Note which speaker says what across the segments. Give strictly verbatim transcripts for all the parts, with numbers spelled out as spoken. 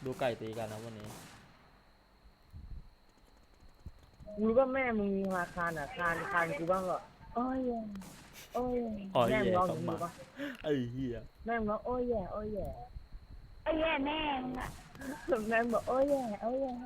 Speaker 1: ดูไก่ตีกันนะวันนี้
Speaker 2: รู้ว่าแม่มึงมีราคาอ่ะคานคานกูบ้างก็โอ้ยโอ้ยแม่มึงร้องอย่างนี้ปะ
Speaker 1: ไอ้เหี้ย
Speaker 2: แม่มึงร้องโอ้ยแย่โอ้ยแย่
Speaker 3: ไอ้แย่แม่งอะ
Speaker 2: แม่บอกโอ้ยแย่โอ้ยแย่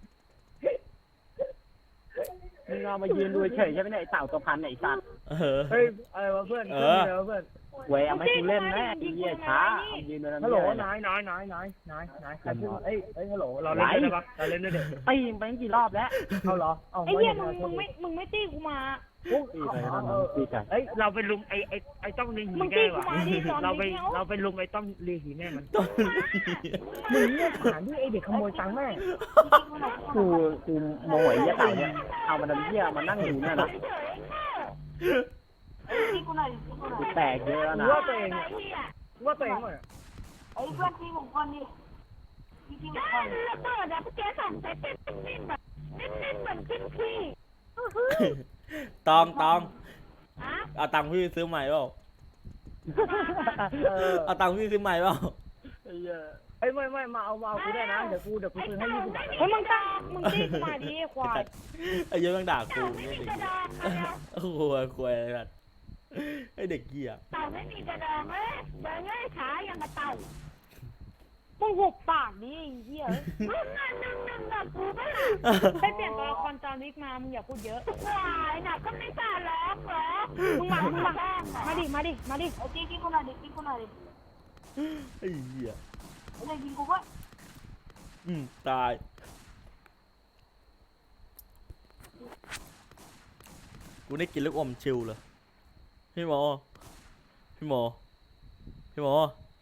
Speaker 2: มึงเอามายืนดูเฉยใช่ไหมเนี่ยไอ้เต่าตัวพันไอ้สัตว์เฮ้ยอะไรวะเพื่อนเพื่อนอะไรวะเพื่อนเว้ยเอาไม่กูเล่นนะไอ้เหี้ยช้ายืนดูนะฮัลโหลนายนายนายนายนายนายใครพูดเอ้ยเอ้ยฮัลโหลเราเล่นได้ปะเราเล่นได้เด็กตีไปกี่รอบแล้วเอาเหรอเอา
Speaker 3: ไอ้เหี้ยมึงมึงไม่มึงไม่ตีกูมา
Speaker 2: เอ้ยเราไปลุมไอ้ไอ้ไอ้ต้องเลี้ยหีแม่ว่ะเราไปเราไปลุมไอ้ต้องเลี้ยหีแม่มันมึงเนี่ยผ่านที่ไอ้เด็กขโมยตังค์แม่กูกูโมโหไอ้เหี้ยเต่าเนี่ยเอามาดำเหี้ยมานั่งอยู่เนี่ยนะแตกเยอะนะว่าตัวเองว่าตัวเองเลย
Speaker 3: ไอ้เพื่อนที่ผมคนนี้ที่ที่ผมคนระเบิดอะพวกแกสั่งใส่เต้นเต้นแบบเต้นเต้นเหมือนขึ้นขี้
Speaker 1: ตองตองเอาตังค์พี่ซื้อใหม่เปล่าเอาตังค์พี่ซื้อใหม่เปล่า
Speaker 2: ไอ้ไม่ไม่มาเอามาเอากูได้นะเดี๋ยวกูเดี๋ยวกูซื้อให้ยี่สิบบาท
Speaker 3: เฮ้ยมึงตามึงตีกูมาดิควาย
Speaker 1: ไอ้เยอะต้องด่ากูนี่ดิโอ้โหควายอะไรไอ้เด็กเหี้ย
Speaker 3: เต่าไม่มีกระดองเอ้ยเดินง่ายขาอย่างกระเต่ามึงหุบปากดิไอ้เหี้ยมึงนั่นนั่งนั่งกับกูไม่ล่ะไปเปลี่ยนตัวละครจอห์นวิกมามึงอย่าพูดเยอะวายน่ะก็ไม่กล้าร้องเหรอมึงมามึงมามาดิมาดิมาดิเอาตีกินกูหน่อยดิกินกูหน่อยดิ
Speaker 1: ไอ้เหี้ย
Speaker 3: ไอ้เด็กกินกูก็
Speaker 1: อืมตายกูได้กินลูกอมชิวเลยพี่หมอพี่หมอพี่หมอ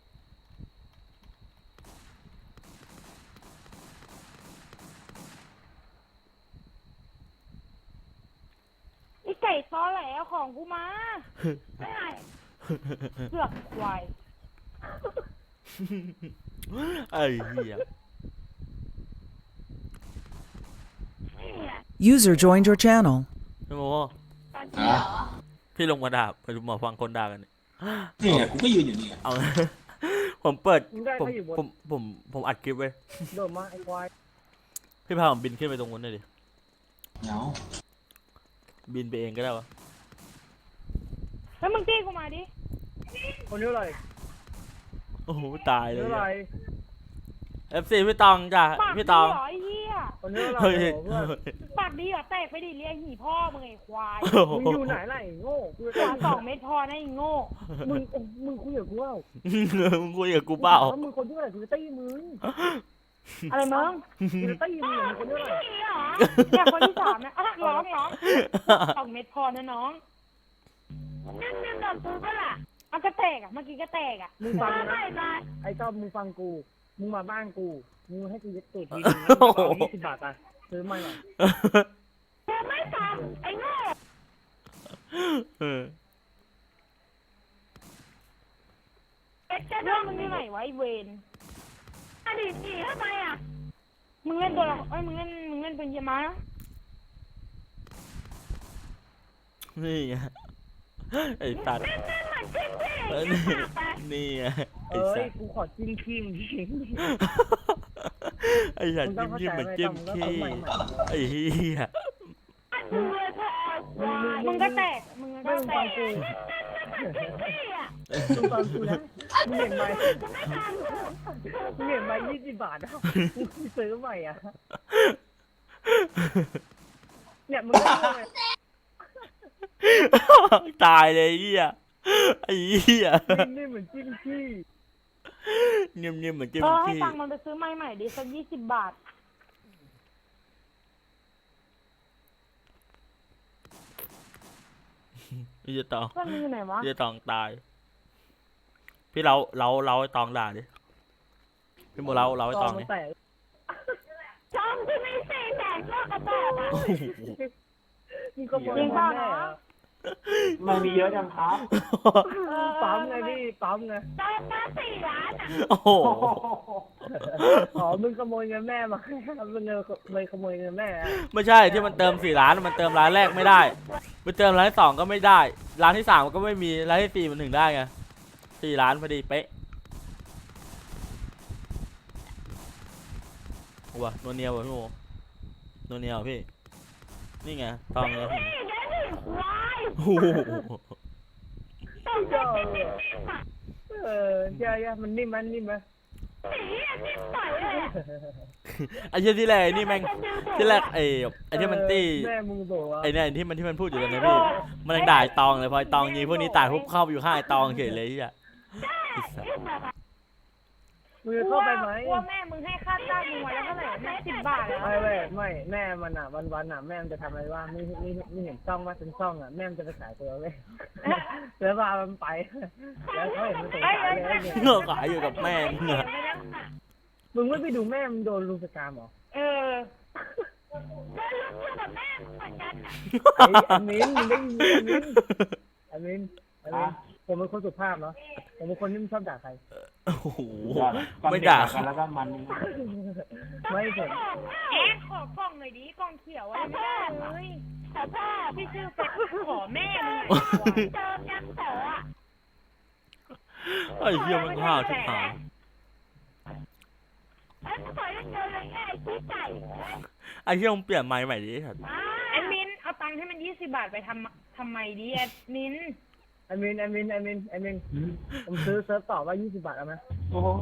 Speaker 3: ไอ้ไก่ซ้อแหลของกูมาไม่ไงเสือกควาย
Speaker 1: ไอ้เหี้ย
Speaker 4: User joined your channel
Speaker 1: พี่หมอพี่ลงมาด่าไปดูหมอฟังคนด่ากัน
Speaker 5: นี่ไงกูก็ยืนอยู่นี่
Speaker 1: เอาผมเปิดผมผมผมผมอัดคลิปไว้
Speaker 2: โดนมาไอ้ควาย
Speaker 1: พี่พาผมบินขึ้นไปตรงนู้นหน่อยดิ
Speaker 5: เนาะ
Speaker 1: บินไปเองก็ได้วะ
Speaker 3: เฮ้ยมึงตีกูมาดิ
Speaker 2: คนนี้อะไร
Speaker 1: โอ้โหตายเลย
Speaker 2: อะไร
Speaker 1: เอฟซีพี่ตองจ้ะพี่ตอง
Speaker 2: คนนี้อะไร
Speaker 3: ปากดีเหรอแตกไปดิเรียกหีพ่อมึงไอ้ควาย
Speaker 2: มึงอยู่ไหนล่ะไอ้โง่
Speaker 3: กูจะสองเม็ดพอนะไอ้โง่
Speaker 2: มึงมึงคุยกับกูเปล่า
Speaker 1: มึงคุยกับกูเปล่า
Speaker 2: มึงคนที่ไหนกูจะตีมึง
Speaker 3: อะไรมึง
Speaker 2: กูจะตีมึงคนที่ไหน
Speaker 3: เนี่ยคนที่สามนะร้องร้องสองเม็ดพอนะน้องนั่งนั่งกับกูก็ล่ะมันก็แตกอ่ะเมื่อกี้ก็แตกอ่ะ
Speaker 2: มึงฟังนะไอ้ต้อมมึงฟังกูมึงมาบ้านกูมึงให้กูยึดตูดทียี่สิบบาทอ่ะซื้อมาหน่อย
Speaker 3: กูไม่ฟังไอ้โง่เรื่องมึงที่ไหนวะไอ้เวนอดีตสี่ทำไมอ่ะมึงเล่นตัวละเอ้ยมึงเล่นมึงเล่นเป็นยามา
Speaker 1: นี่ไงไอ้ตัดนี่ไง
Speaker 2: เอ้ยกูขอจิ้มขี้มึงที่
Speaker 1: ไอ้สัตว์จิ้มขี้เหมือนจิ้มขี้ไอ้เหี้ย
Speaker 3: มึงก็แตกมึงก็แตก
Speaker 2: มึงฟังกูนะมึงเห็นไหมมึงเห็นไหมยี่สิบบาทอ่ะมึงซื้อใหม่อ่ะเนี่ยมึง
Speaker 1: ตายเลยเหี้ยไอ้เหี้ย
Speaker 2: นี่เหมือนจิ้มขี้
Speaker 1: เนียมเนียมเหมือนจิ้ม
Speaker 3: ขี้
Speaker 1: เออ
Speaker 3: ให้ตังมันไปซื้อใหม่ใหม่ดิสักยี่สิบบาท
Speaker 1: พี่จะตอง
Speaker 3: เพื่อนมึงอยู่ไหนวะ
Speaker 1: พี่จะตองตายพี่เราเราเราไอ้ตองด่าดิพี่โมเราเราไอ้ตองนี่
Speaker 3: จอมที่ไม่ใช่แตกโลกกระบอกอ่ะ
Speaker 2: มึงก็บอกว่าแม่มันมีเยอะจังครับปั๊มไงพี่ปั๊มไง
Speaker 3: ได้มาสี่ล้านอ่ะ
Speaker 1: โอ้โห
Speaker 2: อ๋อมึงขโมยเงินแม่มามึงเลยขโมยเงินแม่
Speaker 1: ไม่ใช่ที่มันเติมสี่ล้านมันเติมร้านแรกไม่ได้ไปเติมร้านที่สองก็ไม่ได้ร้านที่สามก็ไม่มีร้านที่สี่มันถึงได้ไงสี่ล้านพอดีเป๊ะว่ะนัวเนียวว่ะพี่โมนัวเนียวพี่นี่ไงตองเลยพี่
Speaker 3: นี่แกนี่ควาย
Speaker 1: โอ้โห
Speaker 3: ต้องเจอเป็นนิ่มๆอ่ะ
Speaker 2: เออเจ้าเจ้ามันนิ่มมันนิ่มไหม
Speaker 3: หนีอ่ะนิ่มต่อยเลยอ่ะ
Speaker 1: ไอ้เหี้ยที่แรกไอ้นี่แม่งที่แรกไอ้ไอ้ที่มันตี
Speaker 2: แม่มึงบอกว่า
Speaker 1: ไอ้เนี่ยที่มันที่มันพูดอยู่ตอนนี้พี่มันยังด่าไอ้ตองเลยพอไอ้ตองยิงพวกนี้ตายปุ๊บเข้าไปอยู่ข้างไอ้ตองเฉยเลยที่อ่ะ
Speaker 2: มึงจะเข้าไปไหม
Speaker 3: ว่าแม่มึงให้ค่าจ้างมึงวันละเท่าไหร่แม่สิบบาทแล้ว
Speaker 2: ไม่ไม่ไม่แม่มันอ่ะวันวันๆอ่ะแม่มันจะทำอะไรว่าไม่ไม่ไม่เห็นซ่องว่าเป็นซ่องอ่ะแม่มันจะไปขายตัวเว้ยแล้วพามันไปแล้วเขาเห็นมันสงสารเลยเนี่ย
Speaker 1: เงือกขายอยู่กับแม่มึงอะ
Speaker 2: มึงไม่ไปดูแม่มึงโดนลุมสกรรมเหรอ
Speaker 3: เออก็ลุกอยู่กับแม่เหมือนกันอ่ะ
Speaker 2: ไอ้อามินมึงได้ยินไหมอามินอามินอามินผมเป็นคนสุภาพเนาะผมเป็นคนที่ไม่ชอบด่าใคร
Speaker 1: โอ้โหไม่ด่า
Speaker 5: กันแล้วก็มัน
Speaker 2: ไม่ผม
Speaker 3: แอ๊ะขอกล่องหน่อยดิกล่องเขียวอะไรไม่ได้เลยขอพ่อพี่ชื่อเป็ดขอแม่มึงเจอยังเจออ่ะ
Speaker 1: ไอ้เหี้ยมันห้าวชิบหาย
Speaker 3: เอ้ยขอยังเจอเลยไงพี่ไก่
Speaker 1: ไอ้เหี้ยมึงเปลี่ยนไม้ใหม่ดิไอ้สัตว์
Speaker 3: แอดมินเอาตังค์ให้มันยี่สิบบาทไปทำทำไมดิแอดมิน
Speaker 2: อามินอามินอามินอามินผมซื้อเซิร์ฟต่อว่ายี่สิบบาทเอาไหม
Speaker 5: โอ้โห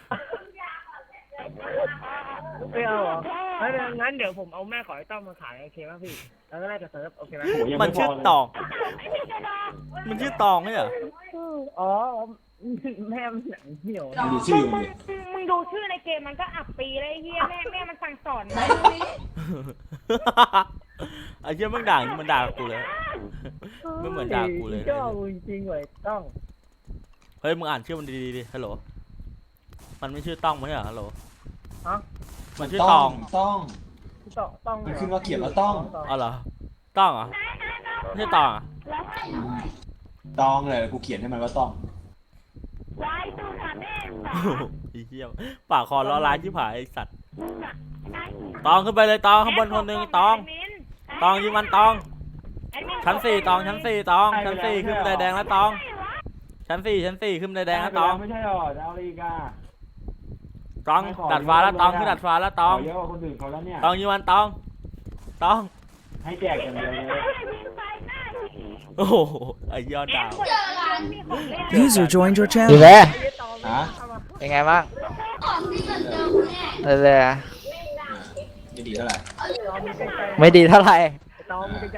Speaker 2: ไม่เอาเหรองั้นงั้นเดี๋ยวผมเอาแม่ขอไอ้ต้อมมาขายโอเคป่ะพี่แล้วก็แลกกับเซิร์ฟโอเคไหม
Speaker 1: มันชื่อตอง มันชื่อตองใช่เหรอ
Speaker 2: อ๋อแม่มันหนังเหี่ยว
Speaker 5: ดูชื่อ
Speaker 3: มึ
Speaker 5: มัน
Speaker 3: ง
Speaker 5: ดิ
Speaker 3: มึงดูชื่อในเกมมันก็อับปีเลยไอ้เฮียแม่แม่มันสั่งสอนมา
Speaker 1: ไอ้เหี้ยมึงด่ามันด่ากูเลยไม่เหมือนด่ากูเลย
Speaker 2: เจ้าจริงๆเว้ยต้อง
Speaker 1: เฮ้ยมึงอ่านชื่อมันดีๆดิฮัลโหลมันไม่ชื่อต้องมั้ยเหรอฮัลโหล
Speaker 2: ฮะ
Speaker 1: มันชื่อตอง
Speaker 5: ต้อง
Speaker 2: ต้องต้อง
Speaker 5: มันขึ้นว่าเขียนว่าต้อง
Speaker 1: อ๋อเหรอต้องเหรอไม่ใช่ตองเหรอ่ะ
Speaker 5: ต้องเลยกูเขียนให้มันว่าต้อง
Speaker 3: วายดูค่ะแม่
Speaker 1: ไอ้เหี้ยปากคอล้อร้ายชิบหายไอ้สัตว์ตองขึ้นไปเลยตองข้างบนคนหนึ่งตองตองยิงมันตองชั้นสี่ตองชั้นสี่ตองชั้นสี่ขึ้นบันไดแดงแล้วตองชั้นสี่ชั้นสี่ขึ้นบันไดแดงแล้วตอง
Speaker 5: ไม่ใช่หรอเอาอีกอ่ะ
Speaker 1: ตองดัดฟ้าแล้วตองขึ้นดัดฟ้าแล้วตอง
Speaker 5: เยอะกว่าคนอื่นเขาแล้วเนี่ย
Speaker 1: ตองยิงมันตองตอง
Speaker 5: ให้แจกอย่างเดียวเลย
Speaker 1: โอ้โหไอ้ยอดดาว
Speaker 4: User joined your
Speaker 6: ดี
Speaker 4: channel.
Speaker 6: เลย
Speaker 5: ฮะ
Speaker 6: เป็นไงบ้างเลยเลยอะ
Speaker 5: จะดีเท่าไหร่
Speaker 2: ตองมีใกล้ๆ
Speaker 6: ไม่ดีเท่าไหร่
Speaker 2: ตองมีใกล้